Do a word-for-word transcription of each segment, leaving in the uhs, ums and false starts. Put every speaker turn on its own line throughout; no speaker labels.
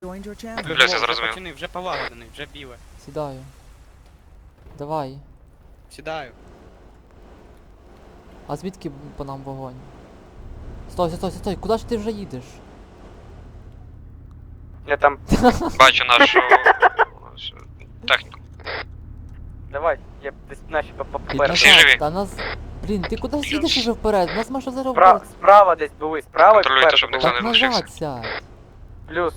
Joined your channel.
Бля, я зрозумів.
Пацани, вже полагодений, вже біле.
Сідаю. Давай.
Сідаю.
А звідки по нам вогонь? Стой, стой, стой, стой, куди ж ти вже їдеш?
Я там...
Бачу нашу техніку.
Давай, я десь наші
Ти
попереду.
Всі живі?
Та нас... Блін, ти куди їдеш уже вперед? Нас може зараз
Спра...
вбити.
Справа десь були, справа і
Контролюйте,
спереду
щоб
були.
ніхто
Так
не лишився.
назад сядь.
Плюс.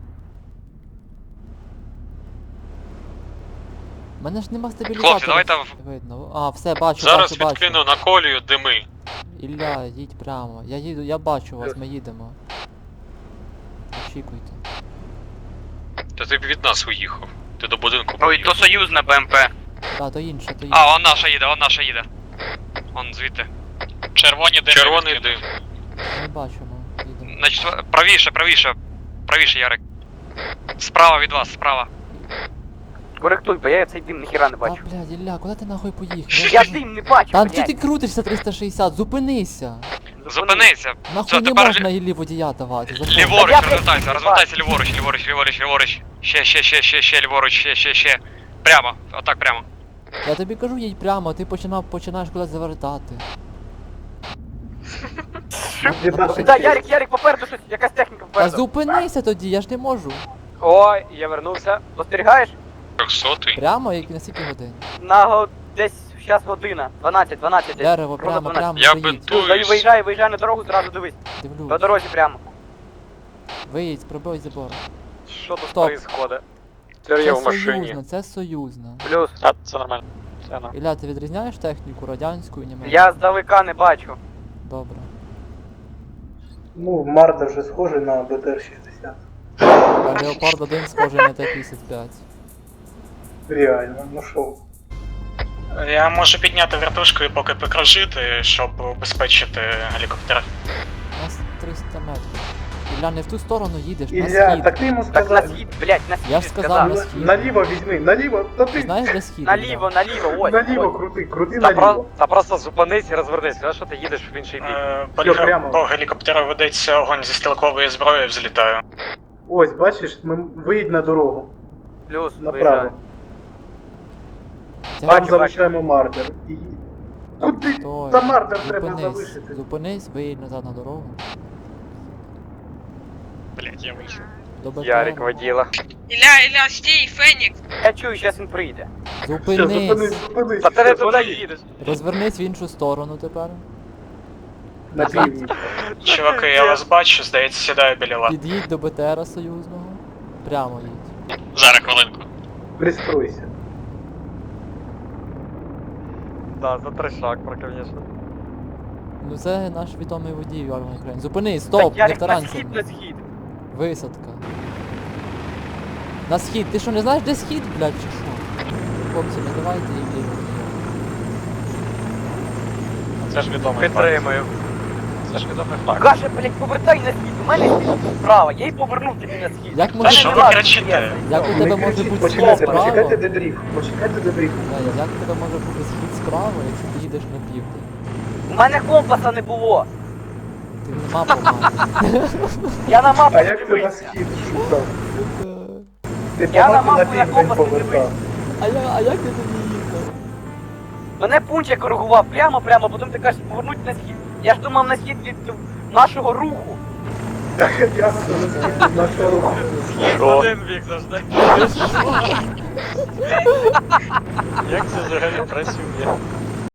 Мене ж нема стабілізатора.
Хлопці, давайте в-
Видно. А, все, бачу,
Зараз
бачу, бачу.
відкину на колію дими.
Ілля, їдь прямо. Я їду, я бачу вас, ми їдемо. Очікуйте.
Та ти б від нас уїхав. Ти до будинку
Ой,
поїхав.
то союзна БМП.
Та, то інше, то інше.
А, он наша їде, он наша їде. Он звідти.
Червоні дим. Червоний дим.
Ми бачимо, їдемо.
Значить, правіше, правіше. Правіше, Ярик. Справа від вас, справа.
Коректуй, бо я цей дим ніхіра не
Та,
бачу.
блядь, Ілля, куди ти нахуй поїхав?
Я дим не бачу,
Та що
блядь.
ти крутишся триста шістдесят? Зупинися!
Зупинися.
Нахуй
Все,
не
тепер
можна Іллі водія давати. запомни.
Ліворуч,
Я
розвертайся,
блядь,
розвертайся ліворуч, ліворуч, ліворуч, ліворуч. Ще, ще, ще, ще, ще, ліворуч, ще, ще, ще. Прямо, отак прямо.
Я тобі кажу, їдь прямо, а ти починав, починаєш кудись завертати.
Да, Ярик, Ярик, попереду щось, якась техніка
Та
попереду.
зупинися тоді, я ж не можу.
Ой, я вернувся. Спостерігаєш?
Трьохсотий.
Прямо, як на скільки годин.
На го... десь зараз година. дванадцять, дванадцять десь.
Дерево,
Ровно
прямо,
дванадцять.
прямо,
Я
виїдь.
бинтую.
Плюс, виїжджай, виїжджай на дорогу, зразу дивись. По
Дивлюсь.
дорозі прямо.
Виїдь, пробий забор.
Що тут
Стоп.
происходит?
Це союзно, це союзно.
Плюс.
А, це нормально. Це нормально.
Ілля, ти відрізняєш техніку радянську і німецьку?
Я здалека не бачу.
Добре.
Ну, Марда вже схожий на Б Т Р шістдесят.
А Леопард один схожий на Т п'ятдесят п'ять.
Реально, ну шо.
Я можу підняти вертушку і поки покружити, щоб убезпечити гелікоптер.
У нас триста метрів. Ілля, не в ту сторону їдеш, на
Ілля,
схід.
так ти йому
Так на
сказав.
схід, блядь, на схід.
Я ж сказав, на
На-
схід.
Наліво візьми, наліво, та ти.
Знаєш, де схід?
Наліво, наліво, ось.
Наліво
ось.
крути, крути
Та, про...
наліво.
Та просто зупинись і розвернись, сказав, що ти їдеш в інший бік.
Е, по,
Що,
лі-
прямо?
по гелікоптеру ведеться огонь зі стрілкової зброї, взлітаю.
Ось, бачиш, ми виїдь на дорогу.
Плюс,
Направо.
виїжджай.
Це-
Там
Бачу,
залишаємо Мардер. І... Куди?
Стой.
Та Мардер треба
Зупинись,
залишити.
зупинись, виїдь назад на дорогу.
Блять, я вийшов.
До БТР.
Ярик воділа.
Ілля, Ілля, стій, Фенікс!
Я чую, зараз він прийде.
Все, зупинись,
Зупинись.
зупинись.
Та ти не
все,
туди їдеш.
Розвернись в іншу сторону тепер.
На північ.
Чуваки, я вас бачу, здається, сідаю біля вас.
Під'їдь до БТРа союзного. Прямо їдь.
Зараз хвилинку.
Пристройся.
Да, за трешак, про, конечно.
Ну це наш відомий водій Арман Україн. Зупинись, стоп, не
Ярик, на
таранься.
схід, на схід.
Висадка. На схід. Ти що, не знаєш, де схід, блядь, чи що? Хлопці, не давайте їм ліво.
Це ж відомий факт.
Підтримую.
Це ж відомий факт.
Каже, блядь, повертай на схід. У мене схід справа, я й повернув тобі на схід.
Як
У
може-
мене
Що ви
нема
кричите?
схід.
Як у
Не
тебе може
кричіть,
бути схід
почекайте,
справа?
почекайте дебріф. Почекайте дебріф.
Знаю, як у тебе може бути схід справа, якщо ти їдеш на південь?
У мене компаса не було.
Ти не мапу маєш.
Я на мапу
А
не
як ти на
дивився.
схід шукав? Ти
Я
по
на
мапі на
мапу на
південь
компас не
повертав.
дивився.
А, я, а як ти тоді їхав?
Мене пунчик коригував прямо-прямо, потім ти кажеш повернуть на схід. Я ж думав на схід від нашого руху.
Так, ясно, на схід від нашого руху.
Один бік завжди.
Як це взагалі працює?